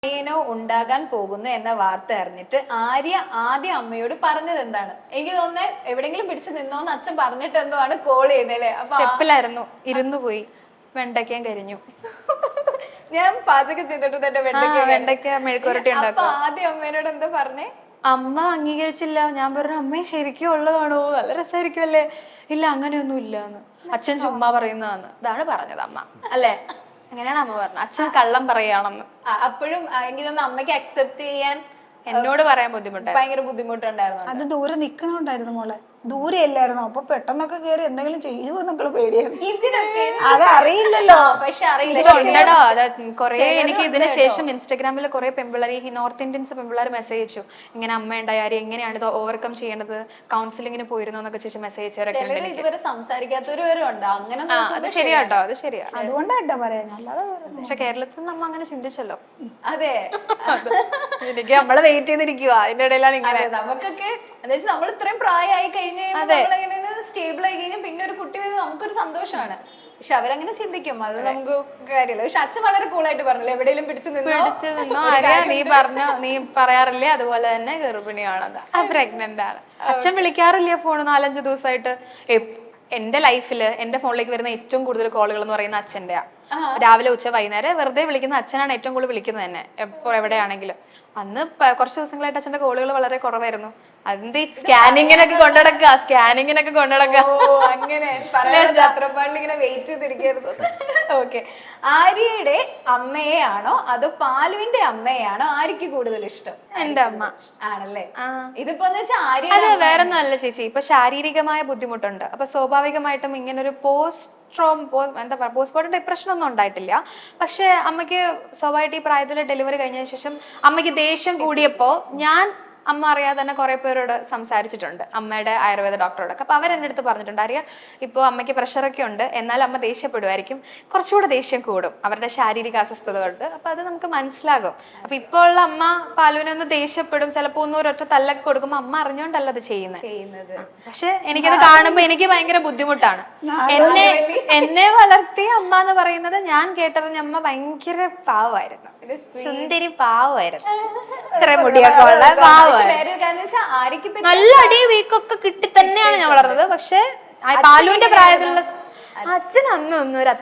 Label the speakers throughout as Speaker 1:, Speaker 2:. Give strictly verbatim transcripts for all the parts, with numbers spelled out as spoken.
Speaker 1: അനിയനോ ഉണ്ടാകാൻ പോകുന്നു എന്ന വാർത്ത അറിഞ്ഞിട്ട് ആര്യ ആദ്യം അമ്മയോട് പറഞ്ഞത് എന്താണ്? എനിക്ക് തോന്നുന്നത് എവിടെങ്കിലും പിടിച്ചു നിന്നോന്ന് അച്ഛൻ പറഞ്ഞിട്ട് എന്തോ ആണ് കോൾ ചെയ്തല്ലേ.
Speaker 2: സ്റ്റെപ്പിലായിരുന്നു, ഇരുന്നു പോയി, വെണ്ടയ്ക്കാൻ കരിഞ്ഞു.
Speaker 1: ഞാൻ പാചകം ചെയ്തിട്ട് തന്നെ വെണ്ടയ്ക്ക
Speaker 2: വെണ്ടയ്ക്ക മെഴുക്കുരട്ടി ഉണ്ടാക്കും.
Speaker 1: ആദ്യം അമ്മേനോട് എന്താ പറഞ്ഞേ?
Speaker 2: അമ്മ അംഗീകരിച്ചില്ല. ഞാൻ പറഞ്ഞു അമ്മ ശരിക്കും ഉള്ളതാണോ, നല്ല രസമായിരിക്കും അല്ലേ? ഇല്ല അങ്ങനെയൊന്നും ഇല്ലാന്ന്, അച്ഛൻ ചുമ്മാ പറയുന്നതാന്ന്. ഇതാണ് പറഞ്ഞത് അമ്മ, അല്ലേ? അങ്ങനെയാണ് അമ്മ പറഞ്ഞത്. അച്ഛൻ കള്ളം പറയാണെന്ന്.
Speaker 1: അപ്പോഴും എനിക്ക് തോന്നുന്നു അമ്മയ്ക്ക് അക്സെപ്റ്റ് ചെയ്യാൻ
Speaker 2: എന്നോട് പറയാൻ ബുദ്ധിമുട്ടായി,
Speaker 1: ഭയങ്കര ബുദ്ധിമുട്ടുണ്ടായിരുന്നു.
Speaker 3: അത് ദൂരെ നിക്കണോണ്ടായിരുന്നു മോളെ, ദൂരെ അല്ലായിരുന്നു. അപ്പൊ പെട്ടെന്നൊക്കെ കേറി എന്തെങ്കിലും ചെയ്യുമോ എന്നൊക്കെ പേടിയാണ്.
Speaker 1: ഇതിനൊക്കെ
Speaker 3: അത് അറിയില്ലല്ലോ.
Speaker 1: പക്ഷെ അറിയില്ല
Speaker 2: ഉണ്ടോ. അത് കൊറേ എനിക്ക് ഇതിന് ശേഷം ഇൻസ്റ്റാഗ്രാമിൽ കുറെ പെമ്പിള്ളേർ, ഈ നോർത്ത് ഇന്ത്യൻസ് പെമ്പിള്ളേർ മെസ്സേജ് അയച്ചു, ഇങ്ങനെ അമ്മ ഉണ്ടായാലും എങ്ങനെയാണ് ഇത് ഓവർകം ചെയ്യണത്, കൗൺസിലിങ്ങിന് പോയിരുന്നു എന്നൊക്കെ ചോദിച്ചു മെസ്സേജ് അയച്ചവരൊക്കെ ഉണ്ട്.
Speaker 1: ഇതുവരെ സംസാരിക്കാത്തവര് വരെ ഉണ്ട്. അങ്ങനെ
Speaker 2: അത് ശരിയാട്ടോ, അത് ശരിയാ.
Speaker 3: അതുകൊണ്ടാട്ടോ പറയാൻ, അല്ലാതെ
Speaker 2: പക്ഷെ കേരളത്തിൽ നമ്മ അങ്ങനെ ചിന്തിച്ചല്ലോ.
Speaker 1: അതെ,
Speaker 2: എനിക്ക് നമ്മള് വെയിറ്റ് ചെയ്തിരിക്കുക, അതിന്റെ ഇടയിലാണ് ഇങ്ങനെ.
Speaker 1: നമുക്കൊക്കെ എന്താ വെച്ചാൽ നമ്മൾ ഇത്രയും പ്രായമായി കഴിഞ്ഞ് സ്റ്റേബിൾ ആയി കഴിഞ്ഞാൽ പിന്നെ ഒരു കുട്ടി വരുന്നത് നമുക്കൊരു സന്തോഷമാണ്. പക്ഷെ അവരങ്ങനെ ചിന്തിക്കും, അത് നമുക്ക് കാര്യമില്ല. പക്ഷെ അച്ഛൻ വളരെ കൂളായിട്ട് പറഞ്ഞില്ലേ, എവിടെയെങ്കിലും പിടിച്ചു
Speaker 2: പിടിച്ചു നിന്നോ ആര്യ, നീ പറഞ്ഞോ, നീ പറയാറില്ലേ അതുപോലെ തന്നെ ഗർഭിണിയാണത്, ആ പ്രഗ്നന്റ് ആണ്. അച്ഛൻ വിളിക്കാറില്ല ഫോൺ നാലഞ്ച് ദിവസമായിട്ട്. എന്റെ ലൈഫില് എന്റെ ഫോണിലേക്ക് വരുന്ന ഏറ്റവും കൂടുതൽ കോളുകൾ എന്ന് പറയുന്ന അച്ഛൻ്റെയാ. രാവിലെ ഉച്ച വൈകുന്നേരം വെറുതെ വിളിക്കുന്ന അച്ഛനാണ് ഏറ്റവും കൂടുതൽ വിളിക്കുന്നത് തന്നെ, എപ്പോ എവിടെയാണെങ്കിലും. അന്ന് കുറച്ച് ദിവസങ്ങളായിട്ട് അച്ഛന്റെ കോളുകൾ വളരെ കുറവായിരുന്നു. അതിന്റെ സ്കാനിങ്ങിനൊക്കെ കൊണ്ടുനടക്കുക, സ്കാനിങ്ങിനൊക്കെ കൊണ്ടുനടക്കുക.
Speaker 1: അങ്ങനെ ഇങ്ങനെ വെയിറ്റ് ചെയ്തിരിക്കുന്നു. ഓക്കെ, ആര്യയുടെ അമ്മയെ ആണോ അതോ പാലുവിന്റെ അമ്മയാണോ ആര്യക്ക് കൂടുതൽ ഇഷ്ടം?
Speaker 2: എന്റെ അമ്മ
Speaker 1: ആണല്ലേ. ഇതിപ്പോ വെച്ചാൽ ആര്യ
Speaker 2: അത് വേറെ ഒന്നും അല്ല ചേച്ചി, ഇപ്പൊ ശാരീരികമായ ബുദ്ധിമുട്ടുണ്ട്. അപ്പൊ സ്വാഭാവികമായിട്ടും ഇങ്ങനൊരു പോസ്റ്റ് എന്താ പറയുക പോസ്റ്റ്മോർട്ടം ഡിപ്രഷൻ ഒന്നും ഉണ്ടായിട്ടില്ല. പക്ഷെ അമ്മയ്ക്ക് സ്വാഭാവികമായിട്ട് ഈ പ്രായത്തിൽ ഡെലിവറി കഴിഞ്ഞതിന് ശേഷം അമ്മയ്ക്ക് ദേഷ്യം കൂടിയപ്പോ ഞാൻ അമ്മ അറിയാതെ തന്നെ കുറെ പേരോട് സംസാരിച്ചിട്ടുണ്ട്, അമ്മയുടെ ആയുർവേദ ഡോക്ടറോടൊക്കെ. അപ്പൊ അവരെന്റെ അടുത്ത് പറഞ്ഞിട്ടുണ്ട്, അറിയാം ഇപ്പോൾ അമ്മയ്ക്ക് പ്രഷറൊക്കെ ഉണ്ട്, എന്നാൽ അമ്മ ദേഷ്യപ്പെടുമായിരിക്കും, കുറച്ചുകൂടെ ദേഷ്യം കൂടും അവരുടെ ശാരീരിക അസ്വസ്ഥത കൊണ്ട്. അപ്പൊ അത് നമുക്ക് മനസ്സിലാകും. അപ്പൊ ഇപ്പോൾ ഉള്ള അമ്മ പാലുവിനെ ഒന്ന് ദേഷ്യപ്പെടും, ചിലപ്പോ ഒന്നും ഒരൊറ്റ തല്ലൊക്കെ കൊടുക്കുമ്പോ അമ്മ അറിഞ്ഞോണ്ടല്ല അത് ചെയ്യുന്നത്. പക്ഷെ എനിക്കത് കാണുമ്പോ എനിക്ക് ഭയങ്കര ബുദ്ധിമുട്ടാണ്. എന്നെ എന്നെ വളർത്തിയ അമ്മ എന്ന് പറയുന്നത് ഞാൻ കേട്ടറിഞ്ഞ അമ്മ ഭയങ്കര പാവമായിരുന്നു, സുന്ദരി പാവമായിരുന്നു, ഇത്ര മുടിയൊക്കെ ഉള്ള പാവ. നല്ല അടി വീക്കൊക്കെ കിട്ടി തന്നെയാണ് ഞാൻ വളർന്നത്. പക്ഷെ പാലുവിന്റെ പ്രായത്തിലുള്ള അച്ഛൻ അന്നൊന്നും ഒരു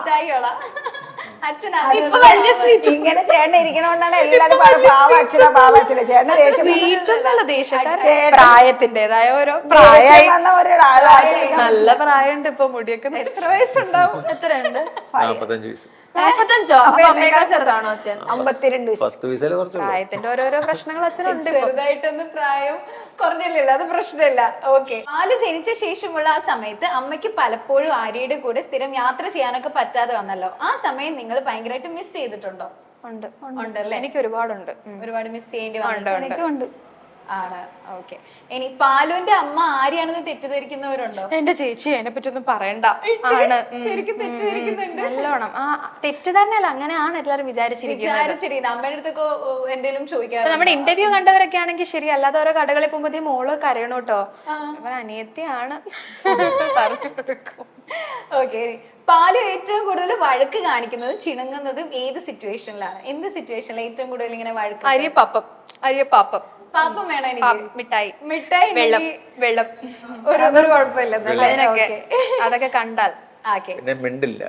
Speaker 3: ഇങ്ങനെ ചേട്ടൻ ഇരിക്കണോണ്ടാണ് എല്ലാരും പാവച്ചില പാവച്ചില ചേട്ടൻ
Speaker 2: വീട്ടിലുള്ള ദേഷ്യക്കാരൻ പ്രായത്തിന്റേതായ ഓരോ പ്രായമായി വന്ന
Speaker 3: ഒരാളാണ്.
Speaker 2: നല്ല പ്രായമുണ്ട് ഇപ്പൊ, മുടിയൊക്കെ. എത്ര വയസ്സുണ്ടാവും? എത്രയുണ്ട്? നാപ്പത്തഞ്ചോ? അപ്പൊ അമ്മയേക്കാൾ ചെറുതാണോ അച്ഛൻ?
Speaker 3: അമ്പത്തിരണ്ട്.
Speaker 2: പ്രായത്തിന്റെ ഓരോരോ പ്രശ്നങ്ങൾ അച്ഛനുണ്ട്.
Speaker 1: ചെറുതായിട്ടൊന്ന് പ്രായം കുറഞ്ഞില്ലല്ലോ, അത് പ്രശ്നമില്ല. ഓക്കെ, പാല് ജനിച്ച ശേഷമുള്ള ആ സമയത്ത് അമ്മയ്ക്ക് പലപ്പോഴും ആര്യയുടെ കൂടെ സ്ഥിരം യാത്ര ചെയ്യാനൊക്കെ പറ്റാതെ വന്നല്ലോ. ആ സമയം നിങ്ങൾ ഭയങ്കരമായിട്ട് മിസ് ചെയ്തിട്ടുണ്ടോ?
Speaker 2: ഉണ്ട്,
Speaker 1: ഉണ്ടല്ലേ?
Speaker 2: എനിക്ക് ഒരുപാടുണ്ട്,
Speaker 1: ഒരുപാട് മിസ് ചെയ്യേണ്ടി
Speaker 3: ഉണ്ട്
Speaker 1: ആണ്. ഓക്കെ, ഇനി പാലുവിന്റെ അമ്മ ആര്യാണെന്ന് തെറ്റിദ്ധരിക്കുന്നവരുണ്ടോ?
Speaker 2: എന്റെ ചേച്ചി അതിനെ പറ്റി ഒന്നും പറയണ്ട. ആണ്,
Speaker 1: ശരിക്കും തെറ്റിദ്ധരിക്കുന്നുണ്ട്
Speaker 2: നല്ലോണം. ആ തെറ്റ് തന്നെയല്ല, അങ്ങനെയാണ് എല്ലാരും വിചാരിച്ചിരിക്കുന്നത്.
Speaker 1: അമ്മയുടെ അടുത്തൊക്കെ എന്തെങ്കിലും ചോദിക്കാറ്?
Speaker 2: നമ്മുടെ ഇന്റർവ്യൂ കണ്ടവരൊക്കെ ആണെങ്കിൽ ശരി, അല്ലാതെ ഓരോ കടകളിൽ പോകുമ്പോഴത്തേ മോള് കരയണം കേട്ടോ, അവൻ അനിയത്തിയാണ് പറഞ്ഞു കൊടുക്കും.
Speaker 1: ഓക്കെ, പാലു ഏറ്റവും കൂടുതൽ വഴക്ക് കാണിക്കുന്നതും ചിണുങ്ങുന്നതും ഏത് സിറ്റുവേഷനിലാണ്? എന്ത് സിറ്റുവേഷനിലാണ് ഏറ്റവും കൂടുതൽ ഇങ്ങനെ വഴക്ക്?
Speaker 2: അരിയപ്പാപ്പം, അരിയപ്പാപ്പം.
Speaker 1: പാപ്പം വേണം എനിക്ക്,
Speaker 2: മിഠായി,
Speaker 1: മിഠായി,
Speaker 2: വെള്ളം, വെള്ളം,
Speaker 1: ഒരു കുഴപ്പമില്ല.
Speaker 2: അതിനൊക്കെ അതൊക്കെ കണ്ടാൽ
Speaker 4: മിണ്ടില്ല.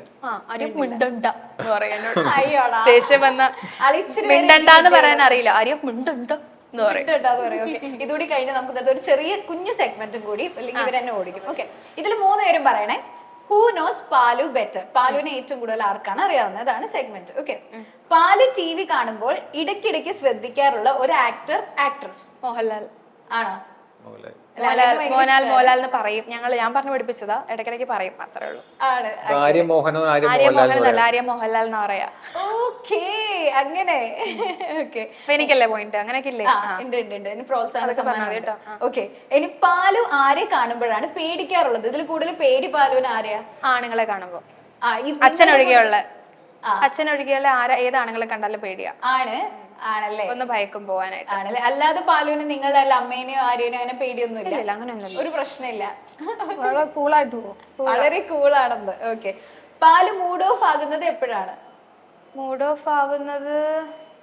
Speaker 2: ദേഷ്യം വന്ന മിണ്ടണ്ടെന്ന് പറയാൻ അറിയില്ല, ആര്യം മിണ്ടുണ്ടോ എന്ന് പറയും.
Speaker 1: ഇതുകൂടി കഴിഞ്ഞ് നമുക്ക് ഒരു ചെറിയ കുഞ്ഞു സെഗ്മെന്റും കൂടി, അല്ലെങ്കിൽ ഇവർ തന്നെ ഓടിക്കും. ഓക്കെ, ഇതിൽ മൂന്ന് പേരും പറയണേ. Who knows Palu better? പാലുവിനെ ഏറ്റവും കൂടുതൽ ആർക്കാണ് അറിയാവുന്നത്? അതാണ് segment. Okay, Palu T V കാണുമ്പോൾ ഇടയ്ക്കിടയ്ക്ക് ശ്രദ്ധിക്കാറുള്ള ഒരു ആക്ടർ ആക്ട്രസ്?
Speaker 2: മോഹൻലാൽ.
Speaker 1: ആണോ?
Speaker 2: മോഹൻലാൽ മോഹൻലാൽ എന്ന് പറയും ഞങ്ങൾ, ഞാൻ പറഞ്ഞു പഠിപ്പിച്ചതാ, ഇടയ്ക്കിടയ്ക്ക് പറയും, അത്രേ ഉള്ളൂ.
Speaker 4: ആര്യ മോഹനോ ആര്യ
Speaker 2: മോഹനല്ല, ആര്യ മോഹൻലാൽ എന്ന് പറയാ.
Speaker 1: ഓക്കേ, അങ്ങനെ. ഓക്കെ,
Speaker 2: എനിക്കല്ലേ പോയിന്റ്? അങ്ങനെയൊക്കെ ഇല്ലേ?
Speaker 1: പ്രോത്സാഹനം. ഓക്കെ, ഇനി പാലു ആരെ കാണുമ്പോഴാണ് പേടിക്കാറുള്ളത്? ഇതിൽ കൂടുതൽ പേടി പാലുവിന് ആരെയാ?
Speaker 2: ആണുങ്ങളെ കാണുമ്പോ. അച്ഛനൊഴികെയുള്ള അച്ഛനൊഴികെയുള്ള ആരാ ഏത് ആണുങ്ങളെ കണ്ടാലും പേടിയാ.
Speaker 1: ആണ് ആണല്ലേ?
Speaker 2: ഒന്ന് ഭയക്കും പോവാനായിട്ട്.
Speaker 1: ആണല്ലേ? അല്ലാതെ പാലുവിന് നിങ്ങളുടെ അമ്മേനെയോ ആരെയോ അങ്ങനെ പേടിയൊന്നും ഇല്ല?
Speaker 2: അങ്ങനെയൊന്നും
Speaker 1: ഒരു പ്രശ്നമില്ല,
Speaker 3: വളരെ കൂളായിട്ട് പോകും,
Speaker 1: വളരെ കൂളാണെന്ന്. ഓക്കെ, പാല് മൂഡ് ഓഫ് ആകുന്നത് എപ്പോഴാണ്?
Speaker 2: മൂഡ് ഓഫ് ആവുന്നത്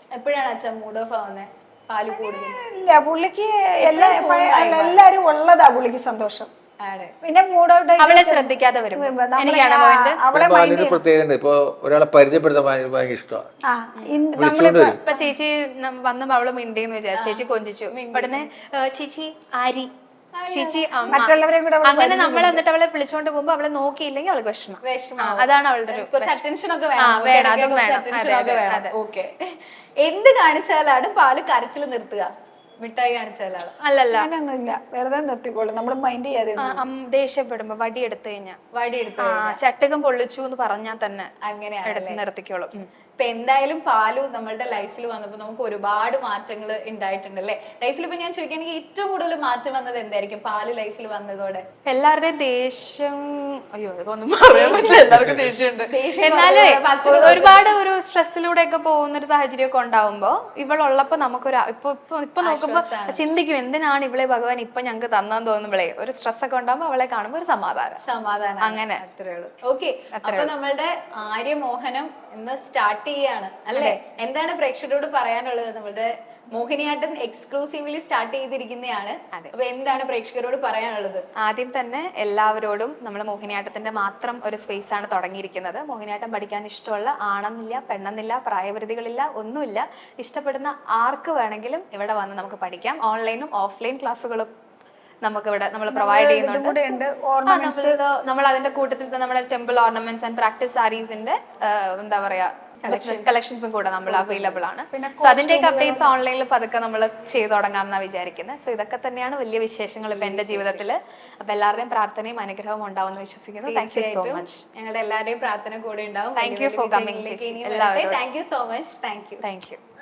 Speaker 1: എപ്പോഴാണ് അച്ഛൻ മൂഡ് ഓഫ് ആവുന്നത് പാല് കൂടുതൽ?
Speaker 3: ഇല്ല പുള്ളിക്ക് എല്ലാ എല്ലാരും ഉള്ളതാ പുള്ളിക്ക് സന്തോഷം.
Speaker 1: ആണ്.
Speaker 3: പിന്നെ മൂഡ് ഔട്ട്
Speaker 2: അവളെ ശ്രദ്ധിക്കാതെ വരും എനിക്കാണ് പോയിന്റ്.
Speaker 3: അവളെ
Speaker 4: പാലിന് പ്രത്യേകത ഇപ്പൊ ഒരാളെ പരിചയപ്പെടുത്താൻ ഭയങ്കര ഭയങ്കര ഇഷ്ടമാണ്.
Speaker 3: ആ ഇൻ-
Speaker 4: വിളിച്ചോണ്ട് വരും.
Speaker 2: ഇപ്പൊ ചേച്ചി നം- വന്നപ്പോ അവള് മിണ്ടിന്ന് വിചാരിച്ചു, ചേച്ചി കൊഞ്ചിച്ചു. ഉടനെ ഏ, ചേച്ചി ആരി, ചേച്ചി അമ്മ,
Speaker 3: മറ്റുള്ളവരെയും കൂടെ അവള്
Speaker 2: അങ്ങനെ നമ്മൾ എന്നിട്ട് അവളെ വിളിച്ചോണ്ട് പോകുമ്പോ അവളെ നോക്കിയില്ലെങ്കിൽ അവൾക്ക് വിഷമം.
Speaker 1: വിഷമം.
Speaker 2: ആ, അതാണ് അവളുടെ ഒരു
Speaker 1: കുറച്ച് അറ്റൻഷൻ ഒക്കെ
Speaker 2: ആ,
Speaker 1: വേണം.
Speaker 2: വേണം,
Speaker 1: ഇടയ്ക്ക്
Speaker 2: അതും
Speaker 1: കുറച്ച്
Speaker 2: വേണം.
Speaker 1: attention
Speaker 2: അതെ,
Speaker 1: ഒക്കെ
Speaker 2: അതെ,
Speaker 1: വേണം.
Speaker 2: അതെ.
Speaker 1: ഓക്കെ. എന്ത് കാണിച്ചാലാണ് പാല് കരച്ചിൽ നിർത്തുക? മിഠായി കാണിച്ചാലാണ്?
Speaker 2: അല്ലല്ല,
Speaker 3: അങ്ങനെയൊന്നുമില്ല, വെറുതെ നിർത്തിക്കോളും, നമ്മൾ മൈൻഡ് ചെയ്യാതെ
Speaker 2: ആ, അം- ദേഷ്യപ്പെടുമ്പോ വടി എടുത്തു കഴിഞ്ഞാ
Speaker 1: വടി എടുത്തു
Speaker 2: ആ, ചട്ടകം പൊള്ളിച്ചു എന്ന് പറഞ്ഞാൽ തന്നെ
Speaker 1: അങ്ങനെയാണ്.
Speaker 2: എടുത്ത് നിർത്തിക്കോളും. ഉം.
Speaker 1: ഇപ്പൊ എന്തായാലും പാലു നമ്മളുടെ ലൈഫിൽ വന്നപ്പോ നമുക്ക് ഒരുപാട് മാറ്റങ്ങൾ ഉണ്ടായിട്ടുണ്ട് അല്ലെ? ലൈഫിൽ ഇപ്പൊ ഞാൻ ചോദിക്കുകയാണെങ്കിൽ ഏറ്റവും കൂടുതൽ മാറ്റം വന്നത് എന്തായിരിക്കും പാല് ലൈഫിൽ വന്നതോടെ?
Speaker 2: എല്ലാവരുടെയും ദേഷ്യം, അയ്യോ ഇതൊന്നും പറയാൻ പറ്റില്ല, എല്ലാവർക്കും ദേഷ്യമുണ്ട്. എന്നാലേ ഒരുപാട് ഒരു സ്ട്രെസ്സിലൂടെ ഒക്കെ പോകുന്ന ഒരു സാഹചര്യം ഒക്കെ ഉണ്ടാവുമ്പോ ഇവളുള്ളപ്പോ നമുക്കൊരു ഇപ്പൊ ഇപ്പൊ ഇപ്പൊ നോക്കുമ്പോ ചിന്തിക്കും എന്തിനാണ് ഇവളെ ഭഗവാൻ ഇപ്പൊ ഞങ്ങൾക്ക് തന്നാന്ന് തോന്നുമ്പോഴേ ഒരു സ്ട്രെസ് ഒക്കെ ഉണ്ടാകുമ്പോ അവളെ കാണുമ്പോ ഒരു സമാധാനം
Speaker 1: സമാധാനം.
Speaker 2: അങ്ങനെ
Speaker 1: അത്രേ ഉള്ളൂ. ഓക്കെ, അപ്പൊ നമ്മളുടെ ആര്യമോഹനം ഇന്ന് സ്റ്റാർട്ട് ചെയ്യാണ് അല്ലേ? എന്താണ് പ്രേക്ഷകരോട് പറയാനുള്ളത്? നമ്മളുടെ മോഹിനിയാട്ടം എക്സ്ക്ലൂസീവ്ലി സ്റ്റാർട്ട് ചെയ്തിരിക്കുന്നതാണ്. അപ്പൊ എന്താണ് പ്രേക്ഷകരോട് പറയാനുള്ളത്?
Speaker 2: ആദ്യം തന്നെ എല്ലാവരോടും നമ്മൾ മോഹിനിയാട്ടത്തിന്റെ മാത്രം ഒരു സ്പേസ് ആണ് തുടങ്ങിയിരിക്കുന്നത്. മോഹിനിയാട്ടം പഠിക്കാൻ ഇഷ്ടമുള്ള ആണെന്നില്ല, പെണ്ണെന്നില്ല, പ്രായപരിധികളില്ല, ഒന്നുമില്ല. ഇഷ്ടപ്പെടുന്ന ആർക്ക് വേണമെങ്കിലും ഇവിടെ വന്ന് നമുക്ക് പഠിക്കാം. ഓൺലൈനും ഓഫ്ലൈൻ ക്ലാസ്സുകളും നമുക്ക് ഇവിടെ നമ്മൾ പ്രൊവൈഡ് ചെയ്യുന്നുണ്ട്. നമ്മൾ അതിന്റെ കൂട്ടത്തിൽ നമ്മുടെ ടെമ്പിൾ ഓർണമെന്റ്സ് ആൻഡ് പ്രാക്ടീസ് സാരീസിന്റെ എന്താ പറയാ ബിസിനസ് കളക്ഷൻസും കൂടെ നമ്മൾ അവൈലബിൾ ആണ്. സോ അതിന്റെയൊക്കെ അപ്ഡേറ്റ്സ് ഓൺലൈനിൽ പതുക്കെ നമ്മൾ ചെയ്തു തുടങ്ങാം എന്നാണ് വിചാരിക്കുന്നത്. സോ ഇതൊക്കെ തന്നെയാണ് വലിയ വിശേഷങ്ങൾ ഇപ്പൊ എന്റെ ജീവിതത്തിൽ. അപ്പൊ എല്ലാവരുടെയും പ്രാർത്ഥനയും അനുഗ്രഹവും ഉണ്ടാവുമെന്ന് വിശ്വസിക്കുന്നു. Thank you so much.
Speaker 1: ഞങ്ങളുടെ എല്ലാവരുടെയും പ്രാർത്ഥന കൂടെ ഉണ്ടാവും.
Speaker 2: Thank you for coming.
Speaker 1: Thank you so much. Thank you
Speaker 2: thank U.